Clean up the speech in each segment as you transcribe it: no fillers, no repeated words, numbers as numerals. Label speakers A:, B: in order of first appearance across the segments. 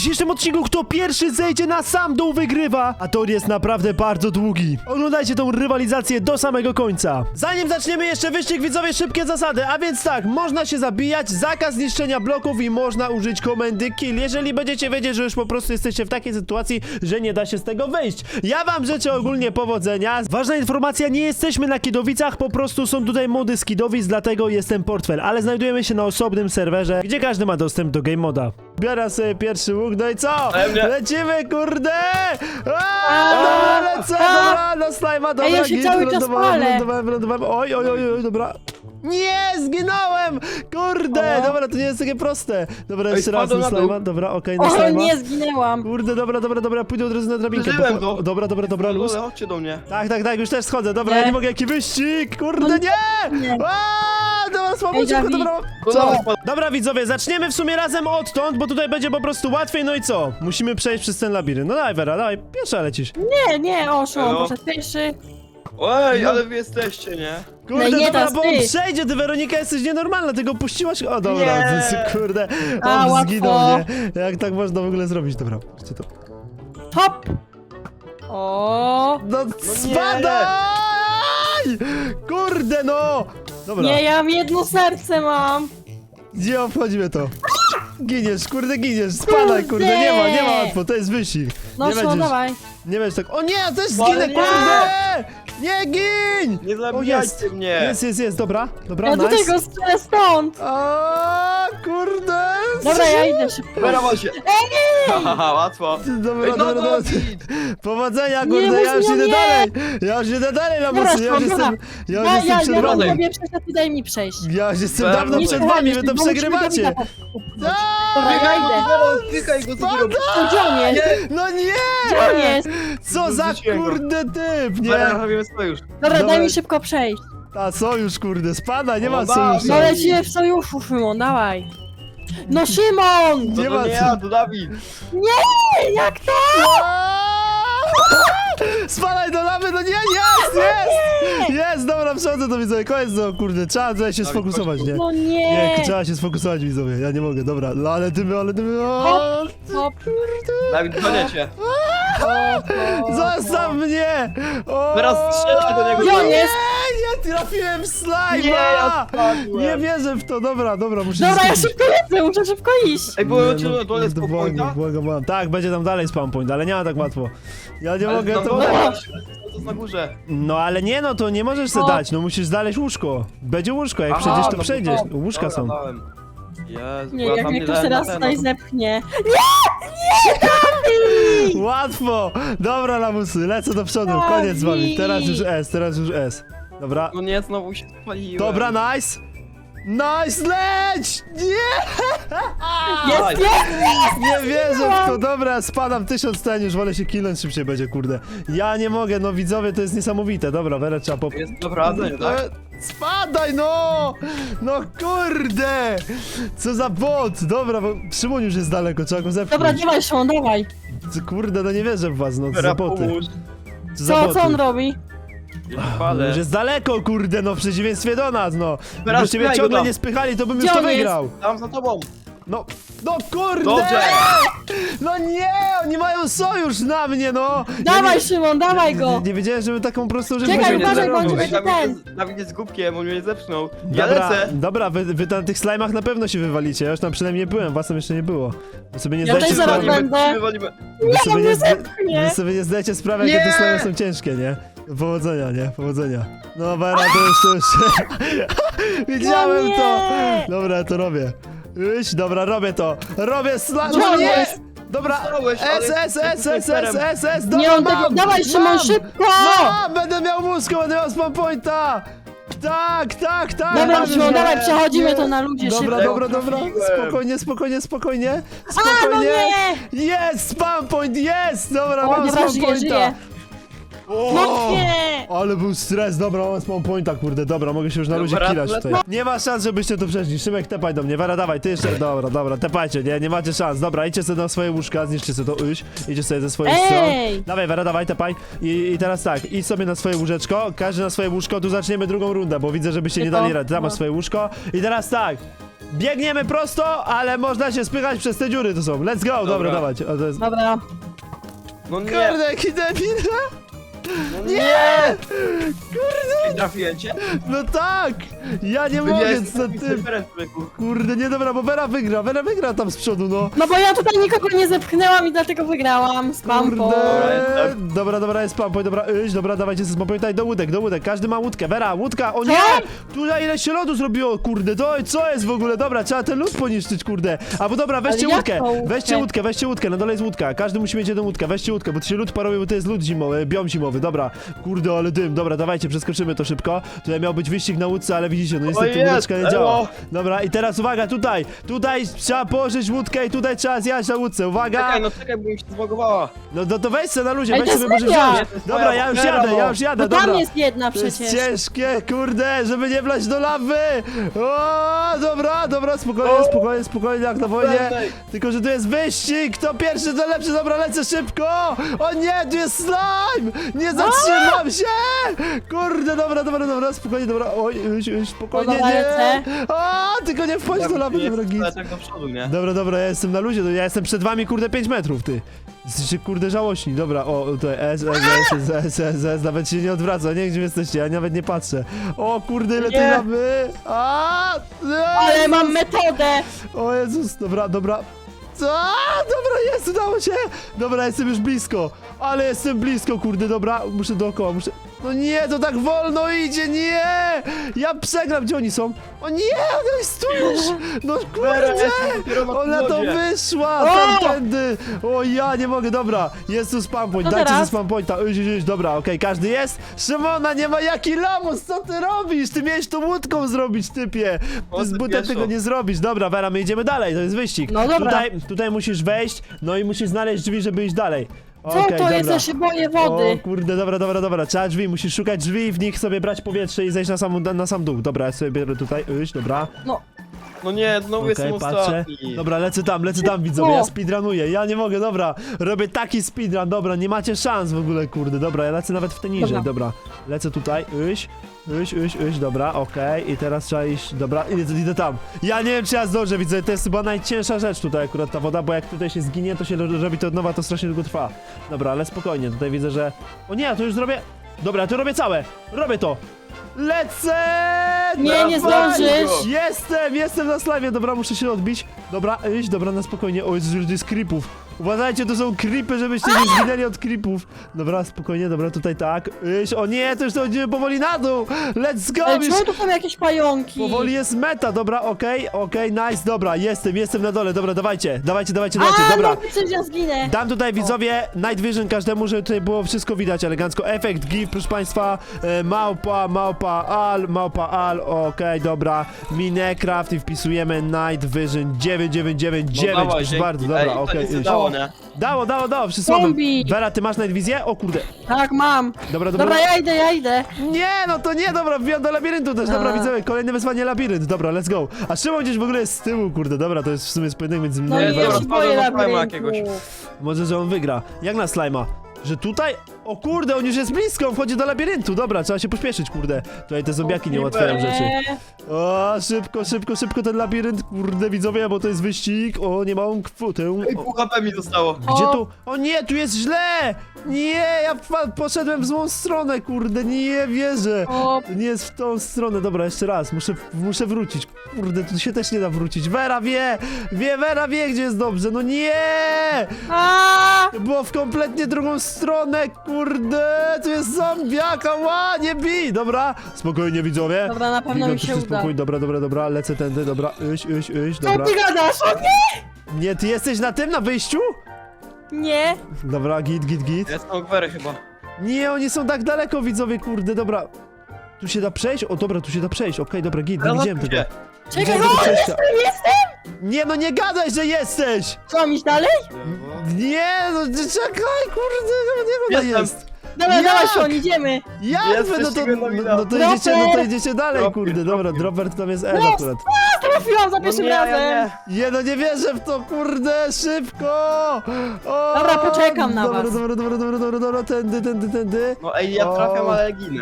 A: dzisiejszym odcinku kto pierwszy zejdzie na sam dół wygrywa, a tor jest naprawdę bardzo długi. Oglądajcie tą rywalizację do samego końca. Zanim zaczniemy jeszcze wyścig, widzowie, szybkie zasady, a więc tak, można się zabijać, zakaz niszczenia bloków i można użyć komendy kill, jeżeli będziecie wiedzieć, że już po prostu jesteście w takiej sytuacji, że nie da się z tego wyjść. Ja wam życzę ogólnie powodzenia. Ważna informacja, nie jesteśmy na Kidowicach, po prostu są tutaj mody z Kidowic, dlatego jest ten portfel, ale znajdujemy się na osobnym serwerze, gdzie każdy ma dostęp do game moda. Biorę sobie pierwszy łuk, no i co? Lecimy, kurde! Dobra, lecę, dobra, na slajma, dobra,
B: ja się cały czas palę.
A: wylądowałem, oj, dobra. Nie, zginąłem! Kurde, dobra, to nie jest takie proste. Dobra, jeszcze raz na slajma, dobra, okej, na
B: O,
A: slajma.
B: nie, zginęłam.
A: Kurde, dobra, pójdę od razu na drabinkę.
C: Przeżyłem to.
A: Dobra, luz.
C: Chodźcie do mnie.
A: Tak, już też schodzę, dobra, ja nie mogę, jaki wyścig, kurde, nie! Dobra, słabo,
B: Ej, Dawid.
A: dobra.
C: Co?
A: Dobra, widzowie, zaczniemy w sumie razem odtąd, bo tutaj będzie po prostu łatwiej, no i co? Musimy przejść przez ten labirynt. No dawaj, Vera, dawaj, pierwsza lecisz.
B: Nie, o, Szymon
C: Elo.
B: poszedł pierwszy.
C: Ej, ale wy jesteście, nie?
A: Kurde,
B: No nie
A: dobra,
B: dasz
A: bo on
B: ty.
A: przejdzie, ty Weronika jesteś nienormalna, ty go puściłaś. O, dobra,
C: Nie.
A: kurde,
B: A,
A: on
B: łatwo.
A: zginął, nie? Jak tak można w ogóle zrobić? Dobra, patrzcie to.
B: Hop! O,
A: No, spadaj! Kurde, no! Dobra,
B: nie, ja mam jedno serce mam.
A: gdzie obchodzimy to? Giniesz, kurde, giniesz, spadaj, kurde, nie ma łatwo, to jest wyścig.
B: No,
A: Nie
B: Szymon,
A: będziesz-
B: dawaj.
A: Nie będziesz tak, o nie, ja też
C: Ale
A: zginę,
C: nie.
A: kurde! Nie gin!
C: Nie
A: O,
C: zabijajcie mnie.
A: Jest, dobra,
B: Ja tutaj
A: nice.
B: go strzelę stąd.
A: A, kurde!
B: Dobra, ja idę szybko.
C: Wyrawa się. Haha, łatwo.
A: Dobra.
C: Dawid.
A: Powodzenia,
B: Nie,
A: kurde, ja już
B: mów,
A: idę
B: nie.
A: dalej! Ja już idę dalej,
B: Dobra,
A: lamusy, ja już
B: dobra.
A: jestem
B: Ja
A: przed
B: mam
A: wami.
B: sobie przejść, a ty daj mi przejść.
A: Ja już jestem
C: Dobra,
A: dawno
C: nie
A: przed
B: słuchaj,
A: wami, wy to
B: bo musimy
A: przegrywacie!
B: Dawida Dobra, ja idę.
C: Klikaj go, co ty robisz?
B: To gdzie on jest?
A: No nie!
B: Gdzie on jest?
A: Co za
C: Wyrzuciłem go.
A: kurde typ,
C: Dobra,
A: nie?
C: robimy sojusz.
B: Dobra,
A: Dobra.
B: daj mi szybko przejść.
A: A sojusz, kurde, spada, nie ma
C: O,
A: sojuszu.
B: No lecimy w sojuszu, Szymon, dawaj. No Szymon!
A: Nie ma
C: To nie
A: co.
C: ja, to Dawid.
B: Nie, jak to?
A: Spadaj do lawy, no nie, jest, dobra, przechodzę to widzowie, koniec, no kurde, trzeba tutaj się sfokusować, nie?
B: No
A: Nie,
B: nie.
A: trzeba się sfokusować, widzowie, ja nie mogę, dobra, no ale dymy, o,
B: Hop.
C: Dawid, gonię cię.
A: zostaw mnie! O,
C: Teraz strzelaj do niego.
B: Gdzie on jest?
A: Nie trafiłem w slajma!
C: Nie, ja spadłem.
A: Nie wierzę w to, dobra, muszę
B: Dobra,
A: się
B: ja
A: skupić.
B: szybko lecę, muszę szybko iść.
C: Ej, było cię na dole
A: Błagam,
C: spokojna.
A: tak, będzie tam dalej spawn point, ale nie ma tak łatwo. Ja nie mogę, to...
C: To jest na górze.
A: No ale nie, no to nie możesz sobie
B: O.
A: dać, no musisz znaleźć łóżko. Będzie łóżko, jak
C: Aha,
A: przejdziesz, to
C: no
A: przejdziesz.
C: to-
A: Łóżka
C: Dobra,
A: są.
C: dałem. Jezu,
B: Nie,
C: ja
B: jak
C: tam
B: mnie
C: nie
B: ktoś
C: dałem
B: teraz
C: na
B: tutaj
C: ten,
B: zepchnie.
A: Łatwo! Dobra, lamusy, lecę do przodu, koniec z wami. Teraz już S. Dobra,
C: No nie, znowu się spaliłem.
A: dobra, nice! Nice, leć! Nie!
B: Jest,
A: Nie wierzę w to, dobra, spadam 1000 ten, już wolę się kilnąć, szybciej będzie, kurde. Ja nie mogę, no widzowie, to jest niesamowite. Dobra, Werę trzeba pop...
C: Jest naprawdę, tak?
A: Spadaj, no! No kurde! Co za bot! Dobra, bo Szymon już jest daleko, trzeba go zepchnąć.
B: Dobra, dawaj Szymon, dawaj.
A: Kurde, no nie wierzę w was, no co za
C: Dobra,
A: boty.
C: pomóż.
A: Co za boty.
B: Co on robi?
C: Ale...
A: Już jest daleko, kurde, no w przeciwieństwie do nas, no.
C: Teraz
A: Gdybyście mnie
C: spychaj go
A: ciągle
C: tam.
A: nie spychali, to bym
B: Gdzie
A: już to
B: on jest?
A: wygrał.
C: Tam za tobą.
A: No kurde!
C: Dobrze.
A: No nie, oni mają sojusz na mnie, no!
B: Dawaj
A: ja
B: Szymon, dawaj go.
A: nie wiedziałem, żeby taką prostą rzecz
B: Czekaj,
A: można
B: uważaj, bo on
A: zrobić.
B: cię
C: Dawid jest głupkiem, on mnie zepchnął. Ja
A: Dobra,
C: lecę.
A: dobra, wy na tych slajmach na pewno się wywalicie, ja już tam przynajmniej nie byłem, was tam jeszcze nie było. Wy sobie nie
B: Ja
A: zdajecie
B: też zaraz
A: sprawy,
B: będę.
C: Wywalimy.
A: wy sobie
B: mnie
A: nie,
B: zepchnie.
A: wy sobie nie zdajecie sprawy, jakie te
C: Nie.
A: slajmy są ciężkie, nie? Powodzenia, nie? Powodzenia. No Vera, to już. Widziałem
B: No
A: to!
B: nie.
A: Dobra, ja to robię. Dobra, robię to. Robię slime.
B: Gdzie
A: No
B: on
A: nie!
B: jest?
A: Dobra,
C: Dostałeś, ale
A: S, dobra,
B: Nie, on tego...
A: mam!
B: Dawaj Szymon,
A: mam!
B: szybko.
A: Mam! Będę miał mózg, będę miał spawn pointa! Tak!
B: Dobra
A: mam
B: Szymon,
A: już.
B: dawaj, przechodzimy
A: Nie.
B: to na ludzie
A: Dobra,
B: szybko.
A: dobra.
C: trafiłem.
A: Spokojnie.
B: A, no nie.
A: Jest! Spawn point, jest! Dobra,
B: O,
A: mam
B: dobra,
A: spawn pointa.
B: żyje.
A: O!
B: No nie.
A: Ale był stres, dobra, mam spawn pointa, kurde, dobra, mogę się już na luzie
C: Dobra,
A: kilać
C: lecę.
A: tutaj. Nie ma szans, żebyście tu przeszli. Szymek, tepaj do mnie, Wera, dawaj, ty jeszcze, dobra, tepajcie, nie macie szans. Dobra, idźcie sobie na swoje łóżka, zniszczcie sobie to, idźcie sobie ze swoich stron. Dawaj, Wera, dawaj, tepaj. I teraz tak, idź sobie na swoje łóżeczko, każdy na swoje łóżko, tu zaczniemy drugą rundę, bo widzę, żebyście nie dali rady. Tam masz swoje łóżko. I teraz tak, Biegniemy prosto, ale można się spychać przez te dziury, to są. Let's go, dobra, dawać. O, to jest...
B: Dobra.
C: No nie,
A: Kurde, jaki debil!
C: no
A: Nie!
C: nie!
A: Kurde!
C: Trafiłem cię?
A: No tak! Ja nie mogę, co ty... Kurde, nie dobra, bo Vera wygra tam z przodu, no.
B: No bo ja tutaj nikogo nie zepchnęłam i dlatego wygrałam. Spam po.
A: Kurde. Dobra, jest spam point, dobra, iść, dobra, dawajcie ze spam pointa do łódek, każdy ma łódkę, Vera, łódka, o nie! Tutaj ile się lodu zrobiło, kurde, to co jest w ogóle, dobra, trzeba ten lód poniszczyć, kurde. Albo dobra, weźcie
B: Ale jak
A: łódkę,
B: tą łódkę?
A: weźcie łódkę, na dole jest łódka, każdy musi mieć jedną łódkę, weźcie łódkę, bo to się lód paruje, bo to jest lód zimowy, biom zimowy, dobra. Kurde, ale dym, dobra, dawajcie, przeskoczymy to szybko. Tutaj miał być wyścig na łódce, ale widzicie, no niestety
C: jest,
A: łódeczka nie
C: elo.
A: działa. Dobra, i teraz uwaga, tutaj trzeba położyć łódkę i tutaj trzeba zjechać na łódce, uwaga!
C: Czekaj, bo mi się zbagowała.
A: No to weź se na luzie,
B: Ej,
A: weź
B: to
A: sobie
B: jest
A: może
B: moja.
A: wziąć. Dobra, ja już jadę,
B: No
A: dobra.
B: tam jest jedna
A: To jest
B: przecież.
A: ciężkie, kurde, żeby nie wlać do lawy! O, dobra, spokojnie, jak na wojnie.
C: Prędzej.
A: Tylko, że tu jest wyścig, kto pierwszy, to lepszy, dobra, lecę szybko! O nie, tu jest slime! Nie zatrzymam się! Kurde, dobra, spokojnie, dobra, oj, spokojnie,
B: Dobra,
A: nie!
B: lecę.
A: O, tylko nie wchodź do lawy, dobra, git.
C: Tak do przodu, nie?
A: Dobra, ja jestem na luzie, ja jestem przed wami, kurde, 5 metrów, ty. Jesteście, kurde, żałośni, dobra, o, tutaj S, nawet się nie odwraca, nie wiem, gdzie jesteście, ja nawet nie patrzę. O, kurde, ile tej
C: Nie.
A: lawy!
B: Ale mam metodę.
A: O Jezus, dobra. Dobra, jest, udało się! Dobra, jestem już blisko, ale jestem blisko, kurde, dobra, muszę dookoła, No nie, to tak wolno idzie, nie! Ja przegram, gdzie oni są? O nie, ona jest tu już! No kurde! Ona to wyszła tamtędy! O ja nie mogę, dobra, jest tu spam point,
B: No
A: dajcie ze
B: teraz?
A: spam pointa, dobra, okej, każdy jest? Szymona, nie ma jaki lamus, co ty robisz? Ty miałeś to łódką zrobić, typie! Ty z butem tego nie zrobisz, dobra, Vera, my idziemy dalej, to jest wyścig.
B: No dobra.
A: Tutaj musisz wejść, no i musisz znaleźć drzwi, żeby iść dalej.
B: Co
A: Okej,
B: to jest?
A: dobra.
B: Ja się boję wody.
A: O kurde, dobra, trzeba drzwi, musisz szukać drzwi i w nich sobie brać powietrze i zejść na sam dół. Dobra, ja sobie biorę tutaj, dobra.
C: No nie, znowu jestem
A: Patrzę.
C: ostatni.
A: Dobra, lecę tam, widzowie, ja speedrunuję, ja nie mogę, dobra. Robię taki speedrun, dobra, nie macie szans w ogóle, kurde, dobra, ja lecę nawet w te niżej, dobra. Lecę tutaj, dobra, okej, i teraz trzeba iść, dobra, idę tam. Ja nie wiem, czy ja zdążę, widzę, to jest chyba najcięższa rzecz tutaj akurat ta woda, bo jak tutaj się zginie, to się robi to od nowa, to strasznie długo trwa. Dobra, ale spokojnie, tutaj widzę, że... O nie, ja to już zrobię... Dobra, to robię całe, robię to. Lecę!
B: Nie
A: Dawaj!
B: zdążysz.
A: Jestem na slajmie, dobra, muszę się odbić. Dobra, dobra, na spokojnie. O, jest creepów. Uważajcie, to są creepy, żebyście nie zginęli od creepów. Dobra, spokojnie, dobra, tutaj tak. O nie, to już dochodzimy powoli na dół. Let's go!
B: Ale
A: już
B: czemu tu są jakieś pająki?
A: powoli jest meta, dobra, okej, nice, dobra, jestem na dole, dobra, dawajcie, dobra.
B: No przecież ja zginę.
A: Dam tutaj widzowie Night Vision każdemu, żeby tutaj było wszystko widać elegancko. Efekt GIF, proszę państwa, małpa al, okej, dobra. Minecraft i wpisujemy Night Vision 9999,
C: No
A: proszę bardzo, dobra, okej.
C: Dało, nie?
A: Dało, wszyscy mamy.
B: Zombie.
A: Vera, ty masz Night Wizję? O kurde.
B: Tak, mam.
A: Dobra.
B: Dobra, ja idę.
A: Nie, no to nie, dobra, wbijam do labiryntu też, dobra,
B: A.
A: widzowie, kolejne wyzwanie labirynt, dobra, let's go. A Szymon gdzieś w ogóle jest z tyłu, kurde, dobra, to jest w sumie pojedynek między mną
B: No
A: i
B: i
C: dobra,
B: ja
A: Verą.
B: się boję
C: wpadłem do slajma
B: labiryntu.
C: jakiegoś.
A: Może, że on wygra. Jak na slajma? Że tutaj? O kurde, on już jest blisko, on wchodzi do labiryntu. Dobra, trzeba się pośpieszyć, kurde. Tutaj te zombiaki nie ułatwiają rzeczy. O, szybko ten labirynt, kurde, widzowie, bo to jest wyścig. O, nie mam kwotę.
C: Ej, pół HP mi zostało.
A: Gdzie tu? O nie, tu jest źle! Nie, ja poszedłem w złą stronę, kurde, nie wierzę.
B: O,
A: To nie jest w tą stronę, dobra, jeszcze raz, muszę wrócić. Kurde, tu się też nie da wrócić. Vera wie, gdzie jest dobrze, no nie!
B: a,
A: Było w kompletnie drugą stronę, kurde, tu jest zombiaka, ła, nie bij, dobra, spokojnie widzowie.
B: Dobra, na pewno
A: Biegam
B: mi się
A: wszyscy
B: uda.
A: spokój, dobra, lecę tędy, dobra, iść,
B: Co
A: dobra.
B: ty gadasz? O nie!
A: Nie, ty jesteś na tym, na wyjściu?
B: Nie.
A: Dobra, git.
C: Ja jestem Ogwery chyba.
A: Nie, oni są tak daleko, widzowie, kurde, dobra. Tu się da przejść? O, dobra, tu się da przejść, okej, dobra, git, nie widziałem tego.
B: Czekaj,
A: Widziałem
B: o,
A: tego przejścia.
B: jestem!
A: Nie, no nie gadaj, że jesteś!
B: Co, iść dalej?
A: Nie, no czekaj, kurde, nie ona
C: Jestem.
A: jest.
B: Dobra,
A: Jak?
B: dawaj, Szon, idziemy.
A: Jak
C: Jest
A: wy,
C: coś takiego nowina.
A: no to idziecie dalej,
C: Dropper,
A: kurde, dobra, dropper tam jest Ed
B: No,
A: akurat.
B: Trafiłam za pierwszym razem.
A: Nie, no nie wierzę w to, kurde, szybko! O,
B: Dobra, poczekam na was.
A: Dobra, tędy.
C: No ej, ja trafiam, ale ginę.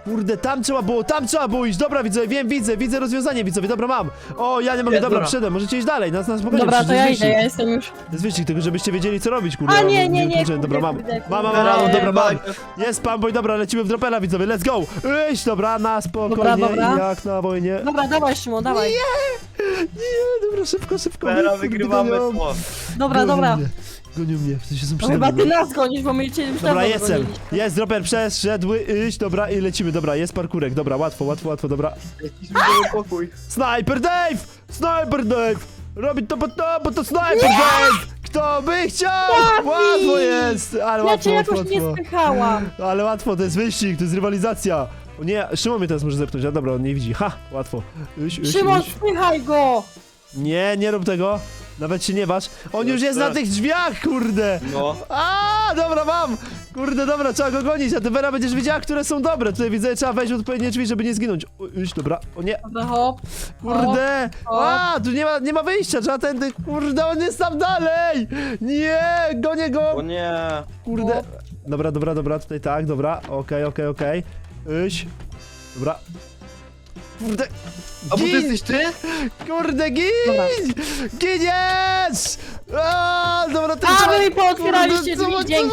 A: Kurde, tam trzeba było iść. Dobra, widzowie, widzę rozwiązanie, widzowie, dobra, mam. O, ja nie mogę,
C: Jest,
A: dobra,
C: dobra.
A: przyszedłem, możecie iść dalej, nas spokojnie.
B: Dobra, to
A: przecież
B: ja
A: jest
B: idę, ja
A: wyścig.
B: jestem już.
A: To jest wyścig, tylko żebyście wiedzieli, co robić, kurde.
B: A,
A: ja
B: nie,
A: kurczę, dobra, mam.
B: kurde,
A: Mam,
B: kurde.
A: dobra, mam.
C: Bajka.
A: Jest spamboy, dobra, lecimy w dropera, widzowie, let's go. Iść, dobra, na spokojnie,
B: Dobra.
A: jak na wojnie.
B: Dobra, dawaj Szymon, dawaj.
A: Nie, dobra, szybko.
C: Teraz
A: Kurde,
C: wygrywamy
A: gonią.
C: to.
B: Dobra, dobra.
A: Gonią mnie, w sensie są
B: No
A: przede
B: chyba
A: mną.
B: ty nas gonisz, bo my cię już
A: Dobra,
B: dawno
A: jestem.
B: goniliśmy.
A: Jest, dropper przeszedł, iść, dobra, i lecimy, dobra, jest parkurek, dobra, łatwo, dobra.
C: Jakiś widzimy pokój.
A: Sniper Dave! Robi to, bo to Sniper Dave! Kto by chciał?
B: Dawid!
A: Łatwo jest, ale
B: Ja cię
A: łatwo.
B: jakoś nie spychałam.
A: Ale łatwo, to jest wyścig, to jest rywalizacja. O nie, Szymon mnie teraz może zepchnąć, a dobra, on nie widzi, ha, łatwo.
B: Szymon, spychaj go!
A: Nie rób tego, nawet się nie waż. On już jest na tych drzwiach, kurde.
C: No.
A: A, dobra, mam! Kurde, dobra, trzeba go gonić, a ty Vera będziesz wiedziała, które są dobre. Tutaj widzę, trzeba wejść w odpowiednie drzwi, żeby nie zginąć. Iść, dobra, o nie,
B: Dobra, hop.
A: kurde!
B: hop.
A: A, tu nie ma wyjścia, trzeba tędy, kurde, on jest tam dalej! Nie, gonię
C: O
A: go!
C: nie.
A: Kurde. Dobra, tutaj tak, dobra, okej. Iść. Dobra. Kurde.
C: A bo ty
A: Gin!
C: jesteś ty?
A: Kurde, gin!
B: Dobra.
A: Giniesz! A, dobra, ty
B: A,
A: trzeba-
B: wy mi pootwieraliście
A: Kurde,
B: drzwi, dzięki.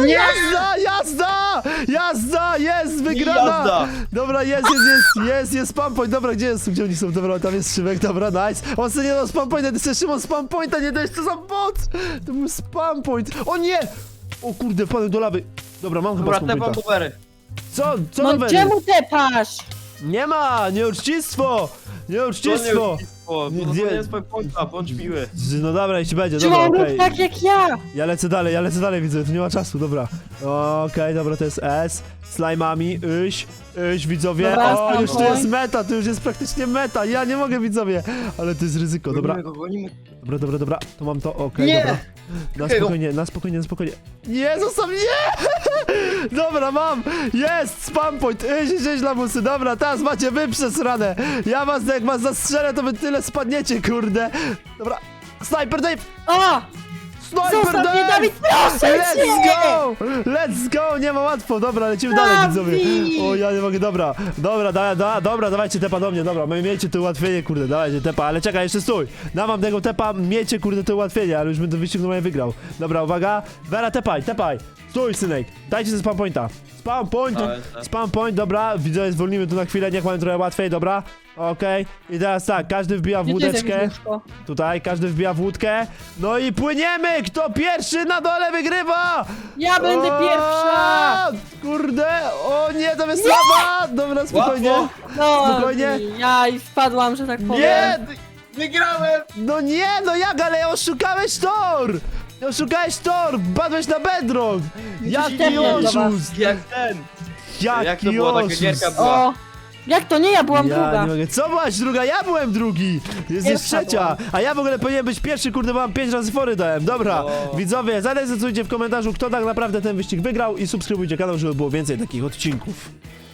A: Jazda! Jest wygrana!
C: Jazda.
A: Dobra, jest spam point, dobra, gdzie oni są? Dobra, tam jest Szymek, dobra, nice. On sobie nie dał spam pointa, ty sobie Szymon spam pointa nie dałeś, co za bot! To był spam point, o nie! O kurde, wpadłem do lawy. Dobra, mam chyba
C: Dobra,
A: spam
C: te mam
A: pointa.
C: powery.
A: Co
B: No
A: nowe?
B: czemu tepasz?
A: Nie ma, nieuczcistwo!
C: To nie
A: Nieuczcistwo!
C: uczcistwo. To
A: Nie-
C: nie jest twoja pońca, bądź miły.
A: No dobra, jeśli będzie, dobra,
B: Szymon,
A: okej.
B: rób tak jak ja.
A: Ja lecę dalej, widzę, tu nie ma czasu, dobra. Okej, dobra, to jest S. Slajmami, iść, widzowie.
B: Dobra,
A: O, już tu
B: spokój.
A: jest meta, tu już jest praktycznie meta. Ja nie mogę, widzowie. Ale to jest ryzyko, dobra.
C: Gonimy go, gonimy.
A: Dobra, to mam to, okej,
C: Nie!
A: dobra. Na spokojnie. Nie, zostaw mnie! Dobra, mam! Jest! Spam point! Iść, lamusy, dobra, teraz macie wy przesrane! Ja was, jak was zastrzelę, to wy tyle spadniecie, kurde! Dobra, Sniper Dave!
B: O!
A: Sniper
B: Zostaw mnie,
A: Dave!
B: Dawid, proszę cię!
A: Let's go! Nie ma łatwo, dobra, lecimy dalej,
B: Dawid!
A: widzowie. O, ja nie mogę, dobra, dawajcie tepa do mnie, dobra, miejcie to ułatwienie, kurde, dawajcie tepa, ale czekaj, jeszcze stój. Dam tego tepa, miejcie, kurde, to ułatwienie, ale już bym ten wyścig normalnie wygrał. Dobra, uwaga, Vera, tepaj, stój, synek, dajcie ze spam pointa. Spam point, dobra, widzowie, zwolnimy tu na chwilę, niech mamy trochę łatwiej, dobra. Okej, i teraz tak, każdy wbija w
B: Gdzie tu jest
A: łódeczkę.
B: jakieś łóżko?
A: Tutaj każdy wbija w łódkę. No i płyniemy! Kto pierwszy na dole wygrywa!
B: Ja będę
A: O,
B: pierwsza!
A: Kurde! O nie, tam jest lawa! Dobra, spokojnie.
C: Łatwo.
B: No,
A: Spokojnie.
B: ja i wpadłam, że tak powiem.
A: Nie!
C: Wygrałem!
A: No nie, no jak, ale oszukałeś tor! Padłeś na bedrock! Jaki
B: tepnę do was.
A: oszust!
C: Jak ten. Jak
A: Jaki
C: to była taka
A: oszust!
C: gierka była?
B: O! Jak to nie? Ja byłam
A: Ja
B: druga.
A: nie mogę. Co byłaś druga? Ja byłem drugi! Jesteś
B: Pierwsza
A: trzecia!
B: byłam.
A: A ja w ogóle powinienem być pierwszy, kurde, bo mam 5 razy fory dałem. Dobra,
C: O.
A: widzowie, zadecydujcie w komentarzu, kto tak naprawdę ten wyścig wygrał i subskrybujcie kanał, żeby było więcej takich odcinków.